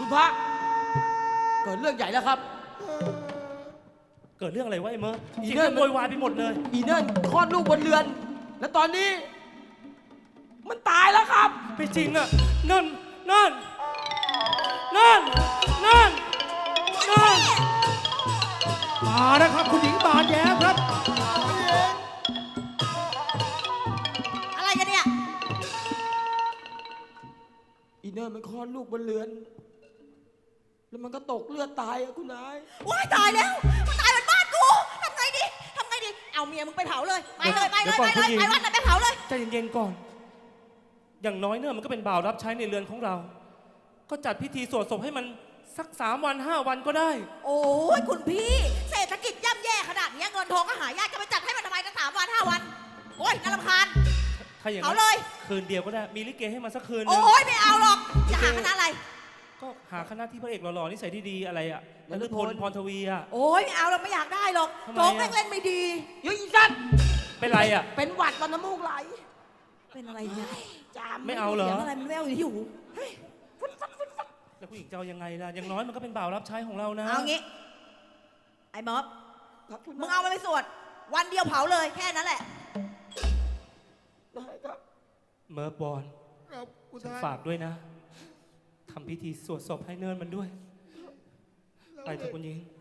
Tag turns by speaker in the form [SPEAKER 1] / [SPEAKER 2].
[SPEAKER 1] คุณพระเกิดเรื่องใหญ่แล้วครับ
[SPEAKER 2] เกิดเรื่องอะไรวะไอ้เมอร์
[SPEAKER 1] อี
[SPEAKER 2] เสียง
[SPEAKER 1] เนิ่
[SPEAKER 2] ดั
[SPEAKER 1] น
[SPEAKER 2] งโวยวายไปหมดเลย
[SPEAKER 1] อีเนิ่นคลอดลูกบนเรือน และตอนนี้ มันตายแล้วครับ
[SPEAKER 2] ไม่จริงอ่ะนั่นนั่นนั่นนั่นนั่น
[SPEAKER 3] มาแล้วครับคุณหญิงบานแย้มครับ
[SPEAKER 4] อะไรกันเนี่ย
[SPEAKER 1] อีเนิ่นมันคลอดลูกบนเรือน แล้วมันก็ตกเลือดตายอะคุณนาย
[SPEAKER 4] ว้ายตายแล้ว มันตายบนบ้านกู ทำไงดี ทำไงดี เอาเมียมึงไปเผาเลย ไปเลยไปเลยไปเลยไปวัดเลยไปเผาเลย
[SPEAKER 2] ใจเย็นๆก่อน อย่างน้อยเนี่ยมันก็เป็นบ่าวรับใช้ในเรือนของเรา ก็จัดพิธีสวดศพให้มันสัก3 วัน5 วันก็ได้
[SPEAKER 4] โอ้ยคุณพี่ เศรษฐกิจย่ำแย่ขนาดนี้เงินทองก็หายากจะไปจัดให้มันทำไมตั้ง3 วัน5 วัน โอ้ยน่ารำคาญ
[SPEAKER 2] ถ้าอย่าง
[SPEAKER 4] เอา
[SPEAKER 2] นั้น
[SPEAKER 4] เลย
[SPEAKER 2] คืนเดียวก็ได้ มีลิเกให้มันสักคืนนึง
[SPEAKER 4] โอ้ยไม่เอาหรอก จะหาคณะอะไร
[SPEAKER 2] ก็หาคณะที่พระเอกหล่อๆนิสัยดีๆอะไรอ่ะนฤพลพรทวีอ่ะ
[SPEAKER 4] โอ้ยไม่เอาหรอกไม่อยากได้หรอก
[SPEAKER 2] ทำไมอะ
[SPEAKER 4] โจ๊กแม่งเล่นไม่ดี
[SPEAKER 1] เฮ้ยอีสัตว์
[SPEAKER 2] เป็นไรอ่ะ
[SPEAKER 1] เป็นหวัดตอนน้ำมูกไหล
[SPEAKER 4] เป็นอะไรเนี่ย
[SPEAKER 1] จาม
[SPEAKER 2] ไม่เอาเหรอ
[SPEAKER 4] เสียงอะไรมันแววอยู่ที่หู
[SPEAKER 2] แล้วผู้หญิงจะเอายังไงล่ะ อย่างน้อยมันก็เป็นบ่าวรับใช้ของเรานะ
[SPEAKER 4] เอางี้ ไอ้ม็อบ
[SPEAKER 1] ครับคุณ
[SPEAKER 4] มึงเอามันไปสวด วันเดียวเผาเลยแค่นั้นแหละ
[SPEAKER 1] ได้ครับ
[SPEAKER 2] เมอร์บอล
[SPEAKER 3] ครับคุณ
[SPEAKER 2] ฉัน
[SPEAKER 3] ท่าน
[SPEAKER 2] ฝากด้วยนะ ทำพิธีสวดศพให้เนินมันด้วย ไปเถอะคุณหญิง